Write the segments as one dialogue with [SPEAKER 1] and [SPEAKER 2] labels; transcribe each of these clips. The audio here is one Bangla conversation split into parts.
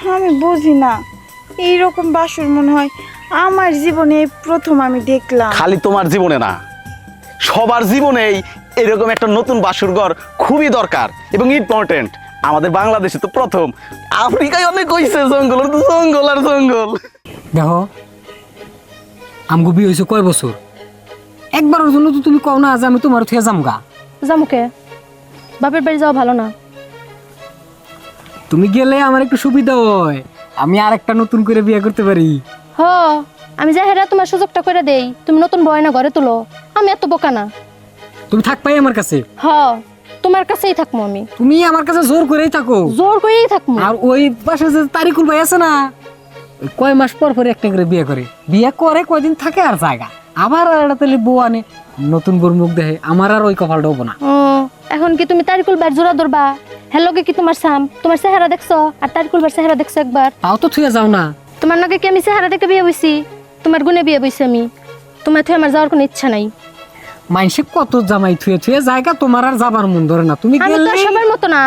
[SPEAKER 1] আমি বুঝি না, এইরকম বাসর মনে হয় আমার জীবনে এই প্রথম আমি দেখলাম।
[SPEAKER 2] খালি তোমার জীবনে না, সবার জীবনেই এরকম একটা নতুন বাসর ঘর খুবই দরকার এবং ইম্পর্টেন্ট। আমাদের বাংলাদেশে তো প্রথম, আফ্রিকায় অনেক হইছে জঙ্গল, তো জঙ্গল আর জঙ্গল।
[SPEAKER 3] দেখো আমগো বিয়ে হয়েছে কয় বছর, একবারের জন্য তো তুমি কও না যে আমি তোমার থেকে যামগা।
[SPEAKER 4] জামুকে বাপের বাড়ি যাওয়া ভালো না।
[SPEAKER 3] তুমি গেলে আমার একটু সুবিধা হয়, আমি আর একটা নতুন করে বিয়ে করতে পারি।
[SPEAKER 4] হ, আমি যা হেরা তোমার সুযোগটা করে দেই, তুমি নতুন বয়না ঘরে তুলো। আমি এত বোকা না।
[SPEAKER 3] তুমি থাকবাই আমার কাছে,
[SPEAKER 4] হ, তোমার কাছেই থাকবো আমি,
[SPEAKER 3] তুমি আমার কাছে জোর করেই থাকো।
[SPEAKER 4] জোর করেই থাকবো।
[SPEAKER 3] আর ওই পাশে যে তারিকুল ভাই আছে না, ওই কয় মাস পর পর একটা করে বিয়ে করে, বিয়ে করে কয়দিন থাকে আর জায়গা, আবার আর একটা তাহলে বউ আনে, নতুন বউর মুখ দেখে। আমার আর ওই কপালটা হবো না।
[SPEAKER 4] এখন কি তুমি তারিকুল বার জোড়া ধরবা? হ্যালোকে কি তোমার সাম, তোমার চেহারা দেখছো আর তারিকুল বার চেহারা দেখছো একবার?
[SPEAKER 3] তাও তো থুয়ে যাও না।
[SPEAKER 4] তোমার নাকি কি আমি চেহারা দেখে বিয়ে বইছি? তোমার গুণে বিয়ে বইছি আমি। তোমার থেকে আমার যাওয়ার কোনো ইচ্ছা নাই।
[SPEAKER 3] মাইসে কত জামাই থুয়ে থুয়ে জায়গা, তোমার আর যাবার মন ধরে না। তুমি
[SPEAKER 4] আমি তো
[SPEAKER 3] গেলে
[SPEAKER 4] সবার মতো না।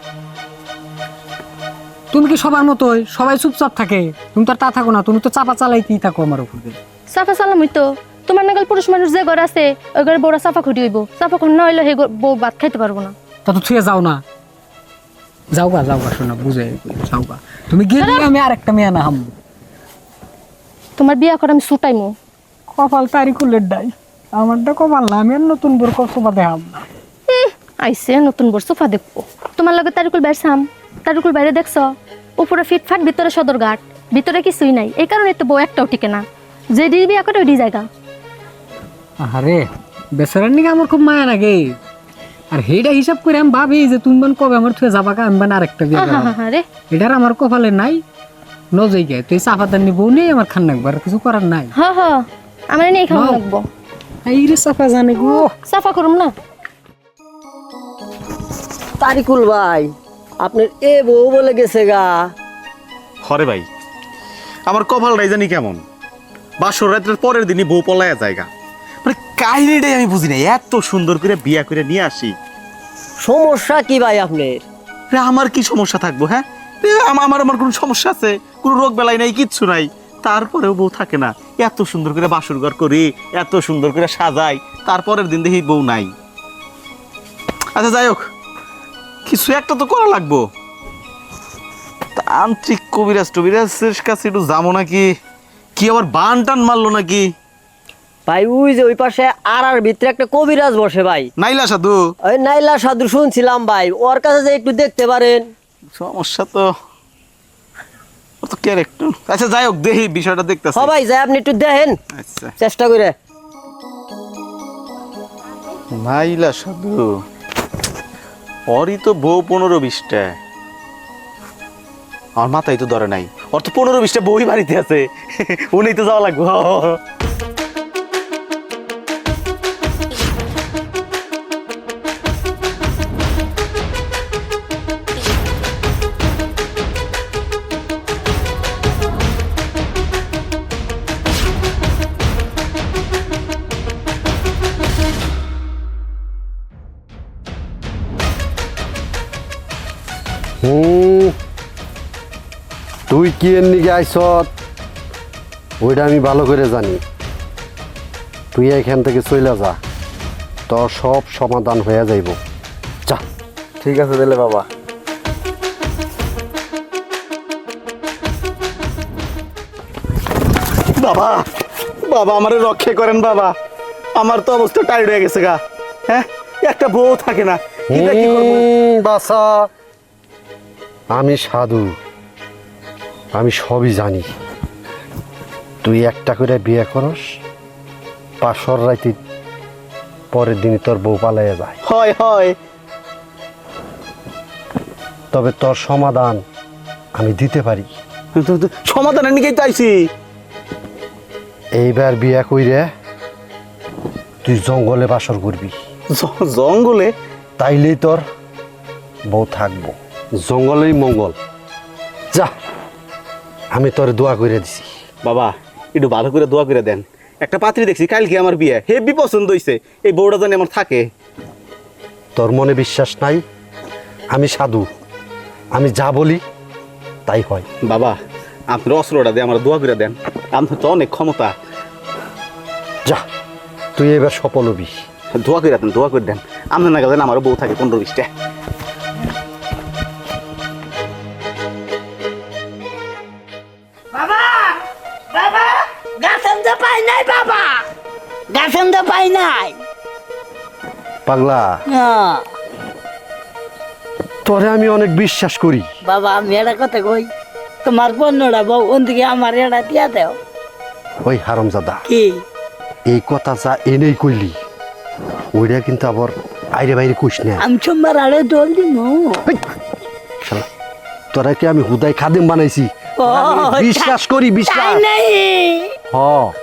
[SPEAKER 3] তুমি কি সবার মতোই সবাই চুপচাপ থাকে? তুমি তো আর তা থাকো না, তুমি তো চাপা চালাইতেই থাকো আমার উপর দিয়ে।
[SPEAKER 4] সাফা সালাম হইতো। তোমার নাগাল পুরুষ মানুষ যে ঘর আছে ওই ঘরে বড় সাফা খুঁটি হইব। সাফা খুন না হইলে সেই বউ ভাত খাইতে পারবো না।
[SPEAKER 3] তা তো থুয়ে যাও না। যাওগা যাওগা, শোনা বুঝে যাওগা। তুমি গেলে আমি আর একটা মেয়ে না হাম।
[SPEAKER 4] তোমার বিয়া করে আমি ছুটাইমু।
[SPEAKER 3] কপাল তারিকুলের ডাই, আমারটা কপাল না। আমি আর নতুন বোর কসবা দেখাম না।
[SPEAKER 4] আইসে নতুন বর সোফা দেখবো। তোমার লগে তারিকুল বাইরছাম, তারিকুল বাইরে দেখছো উপরে ফিটফাট, ভিতরে সদর ঘাট, ভিতরে কিছুই নাই। এই কারণে তো বউ একটাও টিকে না। যে ডি বিয়া করে ওই জায়গা।
[SPEAKER 3] আরে বেচারার নিকে আমার খুব মায়া লাগে। আর হেটা হিসাব করে আমি ভাবি যে তুমি মানে কবে আমার থুয়ে যাবা, আমি মানে আরেকটা বিয়ে করবো।
[SPEAKER 4] আরে
[SPEAKER 3] এটার আমার কপালে নাই, নজই গে তুই চাপাতার নি বউ নেই, আমার খান নাকবার কিছু করার নাই।
[SPEAKER 4] হ হ, আমার নেই খাওয়া লাগবো।
[SPEAKER 3] এই রে চাপা জানে গো।
[SPEAKER 4] সাফা করুম না।
[SPEAKER 5] তারিকুল ভাই, আপনার এ বউ বলে গেছে গা।
[SPEAKER 2] হরে ভাই, আমার কপালটাই জানি কেমন, বাসর রাতের পরের দিনই বউ পলায়া জায়গা। মানে কাহিনীটাই আমি বুঝি না, এত সুন্দর করে বিয়া করে নিয়ে আসি।
[SPEAKER 5] সমস্যা কি ভাই আপনার?
[SPEAKER 2] আমার কি সমস্যা থাকবো? হ্যাঁ, আমার আমার কোনো সমস্যা আছে? কোনো রোগ বেলাই নাই, কিচ্ছু নাই, তারপরেও বউ থাকে না। এত সুন্দর করে বাসর ঘর করি, এত সুন্দর করে সাজাই, তারপরের দিন দেখি বউ নাই। আচ্ছা যাই হোক, কিছু একটা তো করা লাগবো। তান্ত্রিক কবিরাজ টবিরাজের কাছে একটু যাবো নাকি? কি আবার বান টান মারলো নাকি?
[SPEAKER 5] ভাই ওই যে ওই পাশে আর ভিতরে একটা কবিরাজ বসে ভাই,
[SPEAKER 2] নাইলা সাধু।
[SPEAKER 5] ওই নাইলা সাধু শুনছিলাম ভাই, ওর কাছে যে একটু দেখতে পারেন।
[SPEAKER 2] সমস্যা তো ওর তো ক্যারেক্টার। আচ্ছা যাই হোক, দেখি বিষয়টা দেখতেছি।
[SPEAKER 5] সবাই যায়, আপনি একটু দেখেন
[SPEAKER 2] আচ্ছা,
[SPEAKER 5] চেষ্টা করে।
[SPEAKER 2] নাইলা সাধু, ওরই তো বউ 15-20টা। আমার মাথায় তো ধরে নাই, ওর তো 15-20টা বই বাড়িতে আছে। উনি তো যাওয়া লাগবে।
[SPEAKER 6] তুই কি এর নিকে আইসত ওইটা আমি ভালো করে জানি। তুই এখান থেকে চলে যা, তোর সব সমাধান হয়ে যাইব। যা।
[SPEAKER 2] ঠিক আছে দিলে বাবা। বাবা, বাবা আমারে রক্ষা করেন বাবা, আমার তো অবস্থা টাইট হয়ে গেছে গা। হ্যাঁ, একটা বউ থাকে না, এটা কি করব?
[SPEAKER 6] বাসা, আমি সাধু, আমি সবই জানি। তুই একটা করে বিয়ে করস, পাশর রাইতে পরের দিনই তোর বউ পালাইয়া যায়।
[SPEAKER 2] হয় হয়,
[SPEAKER 6] তবে তোর সমাধান আমি দিতে পারি।
[SPEAKER 2] সমাধানের নিকেই চাইছি।
[SPEAKER 6] এইবার বিয়ে কইরে তুই জঙ্গলে বাসর করবি।
[SPEAKER 2] জঙ্গলে?
[SPEAKER 6] তাইলেই তোর বউ থাকবো, জঙ্গলেই মঙ্গল। যা, আমি তোর দোয়া করে দিছি।
[SPEAKER 2] বাবা একটু ভালো করে দোয়া করে দেন। একটা পাত্রী দেখছি কালকে আমার বিয়ে, হেভি পছন্দ হইছে, এই বউটা জানি আমার থাকে।
[SPEAKER 6] তোর মনে বিশ্বাস নাই? আমি সাধু, আমি যা বলি তাই হয়।
[SPEAKER 2] বাবা আপনার অস্ত্রটা দিয়ে আমার দোয়া করে দেন, আপনার তো অনেক ক্ষমতা।
[SPEAKER 6] যা, তুই এবার সফল হবি।
[SPEAKER 2] দোয়া করে দেন, দোয়া করে দেন। আপনার না গেলেন আমারও বউ থাকে 15-20টা।
[SPEAKER 7] বাবা বাবা গাছেন তো পাই নাই, বাবা গাছেন তো পাই নাই।
[SPEAKER 6] পাগলা, তোরে আমি অনেক বিশ্বাস করি।
[SPEAKER 7] বাবা আমি এটা কথা কই, তোমার পণ্যটা বউ ওদিকে আমার এটা দিয়া দেও।
[SPEAKER 6] ওই হারামজাদা,
[SPEAKER 7] কি
[SPEAKER 6] এই কথা যা এনেই কইলি ওইটা কিন্তু আবার আইরে বাইরে কইস না।
[SPEAKER 7] আমি সোমবার আড়ে দোল দিব।
[SPEAKER 6] শালা, তোরা কি আমি হুদাই খাদেম বানাইছি? বিশ্বাস করি, বিশ্বাস।
[SPEAKER 7] নাই
[SPEAKER 6] হ,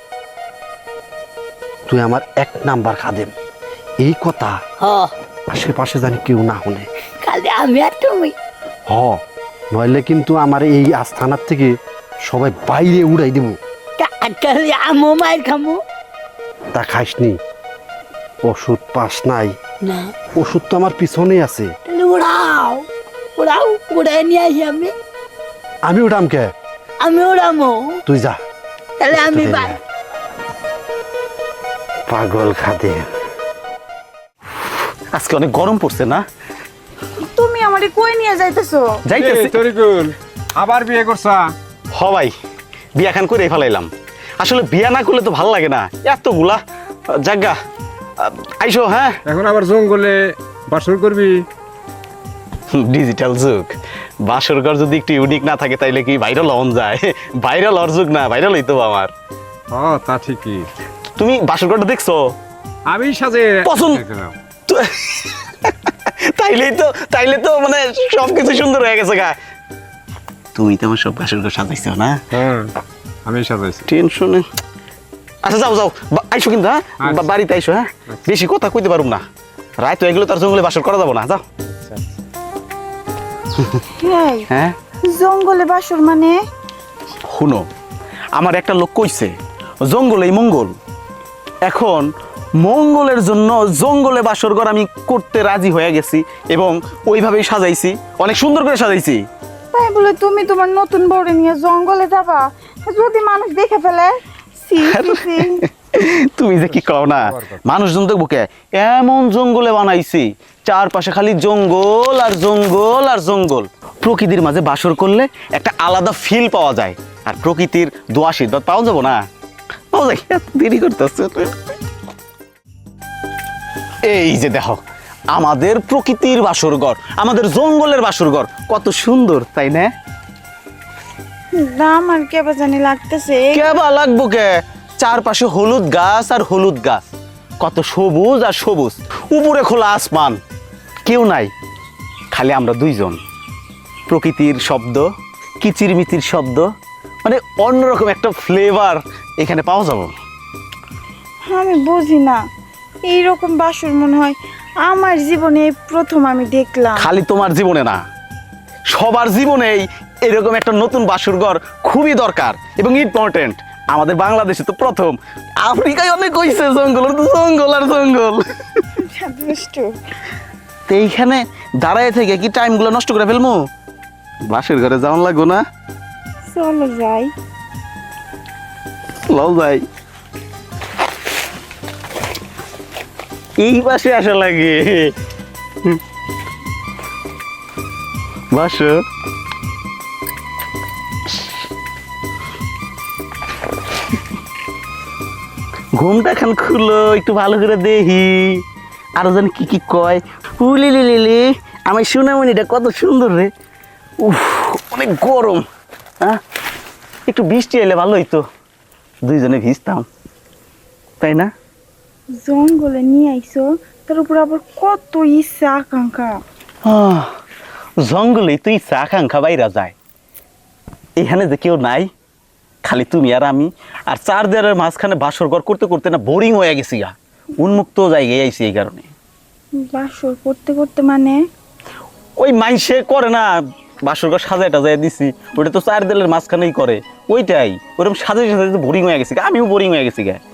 [SPEAKER 6] তুই আমার 1 নাম্বার খাদেম। এই কথা
[SPEAKER 7] হ,
[SPEAKER 6] আশেপাশে জানি কেউ না শুনে।
[SPEAKER 7] খালি আমি আর তুমি।
[SPEAKER 6] হ, নইলে কিন্তু আমার এই আস্থানার থেকে সবাই বাইরে উড়াই দেব।
[SPEAKER 7] খালি আমো মায়ের খামো
[SPEAKER 6] তা খাইসনি? ওষুধ পাস নাই?
[SPEAKER 7] না,
[SPEAKER 6] ওষুধ তো আমার পিছনেই আছে।
[SPEAKER 7] তাহলে উড়াও উড়াও, উড়াই নিয়ে আসি আমি।
[SPEAKER 6] আমি উঠাম কে?
[SPEAKER 7] আমি উড়ামো,
[SPEAKER 6] তুই যা।
[SPEAKER 7] তাহলে আমি বাই।
[SPEAKER 6] পাগল খাদেম।
[SPEAKER 2] আজকে অনেক গরম পড়ছে না?
[SPEAKER 1] তুমি আমারে কই নিয়ে যাইতেছো?
[SPEAKER 2] যাইতেছি।
[SPEAKER 8] তরিকুল আবার বিয়ে করছা?
[SPEAKER 2] হ ভাই, বিয়া খান করে ফেলাইলাম। আসলে বিয়া না করলে তো ভালো লাগে না, এতগুলা জায়গা। আইসো। হ্যাঁ,
[SPEAKER 8] এখন আবার জঙ্গলে বাসর করবি?
[SPEAKER 2] ডিজিটাল যুগ, বাসর ঘর যদি একটু ইউনিক না থাকে তাইলে কি ভাইরাল হন যায়? ভাইরাল হওয়ার যুগ না, ভাইরাল হইতো আমার।
[SPEAKER 8] তা ঠিকই।
[SPEAKER 2] তুমি বাসর ঘরটা দেখছো?
[SPEAKER 8] আমি সাজে
[SPEAKER 2] পছন্দ। তাইলে তো মানে সবকিছু সুন্দর হয়ে গেছে গা। তুমি তো আমার সব বাসর ঘর সাজাইছো না?
[SPEAKER 8] হ্যাঁ, আমি সাজাইছি।
[SPEAKER 2] টেনশনে। আচ্ছা যাও যাও, আইসো কিন্তু। হ্যাঁ,
[SPEAKER 8] আচ্ছা।
[SPEAKER 2] বাড়িতে আইসো। হ্যাঁ, বেশি কথা কইতে পারুম না, রাত হয়ে গেলে তার জঙ্গলে বাসর করা যাবো না। যাও।
[SPEAKER 1] এই
[SPEAKER 2] হ্যাঁ,
[SPEAKER 1] জঙ্গলে বাসর মানে?
[SPEAKER 2] শুনো, আমার একটা লোক কইছে জঙ্গলেই মঙ্গল। এখন মঙ্গলের জন্য জঙ্গলে বাসর ঘর আমি করতে রাজি হয়ে গেছি এবং ওইভাবেই সাজাইছি, অনেক সুন্দর করে সাজাইছি।
[SPEAKER 1] তাই বলে তুমি তোমার নতুন বউরে নিয়ে জঙ্গলে যাবা? যদি মানুষ দেখে ফেলে? সি সি, সি।
[SPEAKER 2] তুমি যে কি কও না, মানুষজন দেখবো কে? এমন জঙ্গলে বানাইছি, চারপাশে খালি জঙ্গল আর জঙ্গল আর জঙ্গল। প্রকৃতির মাঝে বাসর করলে একটা আলাদা ফিল পাওয়া যায়, আর প্রকৃতির দোয়া আশীর্বাদ পাওয়া যাবো না? পাওয়া যায়। এত দেরি করতেছে। এই যে দেখো আমাদের প্রকৃতির বাসরঘর, আমাদের জঙ্গলের বাসরঘর কত সুন্দর, তাই না?
[SPEAKER 1] দাম আর কেবা জানি লাগতেছে।
[SPEAKER 2] কেবা লাগবো কে? চারপাশে হলুদ গাছ আর হলুদ গাছ, কত সবুজ আর সবুজ, উপরে খোলা আসমান, কেউ নাই, খালি আমরা দুইজন। প্রকৃতির শব্দ, কিচিরমিচির শব্দ, মানে অন্যরকম একটা ফ্লেভার এখানে পাওয়া যাবে।
[SPEAKER 1] আমি বুঝি না, এইরকম বাসর মনে হয় আমার জীবনে এই প্রথম আমি দেখলাম।
[SPEAKER 2] খালি তোমার জীবনে না, সবার জীবনেই এরকম একটা নতুন বাসরঘর খুবই দরকার এবং ইম্পর্টেন্ট। আমাদের বাংলাদেশে তো প্রথম, আফ্রিকায় অনেক হইছে জঙ্গল, তো জঙ্গল আর জঙ্গল।
[SPEAKER 1] দুষ্টু।
[SPEAKER 2] তো এইখানে দাঁড়ায় থেকে কি টাইমগুলো নষ্ট করে ফেলবো? বাসের ঘরে যাওয়ান লাগবো না?
[SPEAKER 1] চলো যাই।
[SPEAKER 2] লও যাই। এই পাশে আসা লাগে। বাসো। ঘুমটা খান খুলো, একটু ভালো করে দেখি আরো যেন কি কি কয়। উলি লিলি, আমার সোনামণিটা কত সুন্দর রে। উফ, অনেক গরম। হ্যাঁ, একটু বৃষ্টি এলে ভালো হইতো, দুইজনে ভিজতাম, তাই না?
[SPEAKER 1] জঙ্গলে নিয়ে আইছো, তার উপর আবার কত ইচ্ছা আকাঙ্ক্ষা।
[SPEAKER 2] জঙ্গলে তুই ইচ্ছা আকাঙ্ক্ষা বাইরা যায়, এখানে যে কেউ নাই, খালি তুমি আর আমি, আর চার দেয়ালের মাঝখানে বাসর ঘর করতে করতে না বোরিং হয়ে গেছি গা, উন্মুক্ত জায়গায় আইছি এই কারণে।
[SPEAKER 1] বাসর করতে করতে মানে?
[SPEAKER 2] ওই মাইসে করে না বাসর ঘর সাজায় টাজায় দিছি, ওটা তো চার দেয়ালের মাঝখানেই করে, ওইটাই ওরকম সাজাই সাজাইতে বোরিং হয়ে গেছি গা, আমিও বোরিং হয়ে গেছি গা।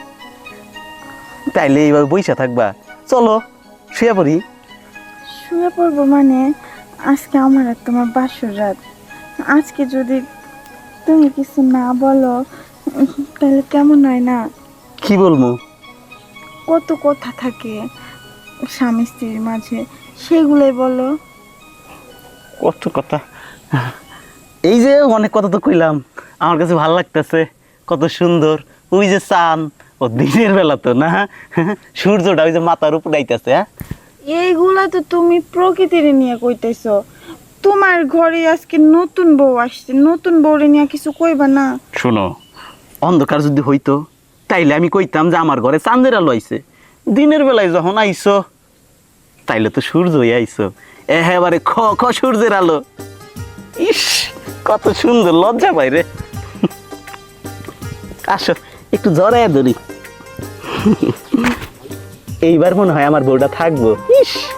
[SPEAKER 2] তাইলে এইভাবে বইসা থাকবা? চলো শুয়ে পড়ি।
[SPEAKER 1] শুয়ে পড়বো মানে? আজকে আমার আর তোমার বাসর রাত, আজকে যদি তুমি কিছু না বলো তাহলে কেমন হয় না?
[SPEAKER 2] কি বলবো?
[SPEAKER 1] কত কথা থাকে স্বামী স্ত্রীর মাঝে, সেগুলোই বলো।
[SPEAKER 2] কত কথা, এই যে অনেক কথা তো কইলাম, আমার কাছে ভালো লাগতেছে, কত সুন্দর। ওই যে চান, ও দিনের বেলা তো না, সূর্যটা ওই যে মাথার উপর আইতাছে। হ্যাঁ,
[SPEAKER 1] এইগুলা তো তুমি প্রকৃতির নিয়ে কইতেছো। তোমার ঘরে আজকে নতুন বউ আসছে, নতুন বউরে নিয়ে কিছু কইবা না?
[SPEAKER 2] শোনো, অন্ধকার যদি হইতো তাইলে আমি কইতাম যে আমার ঘরে চাঁদের আলো আইছে। দিনের বেলায় যখন আইছো তাইলে তো সূর্যই আইছো, একেবারে খ খ সূর্যের আলো। ইস, কত সুন্দর, লজ্জা পাই রে। আসো একটু জড়াইয়া ধরি, এইবার মনে হয় আমার বউটা থাকবো। ইস।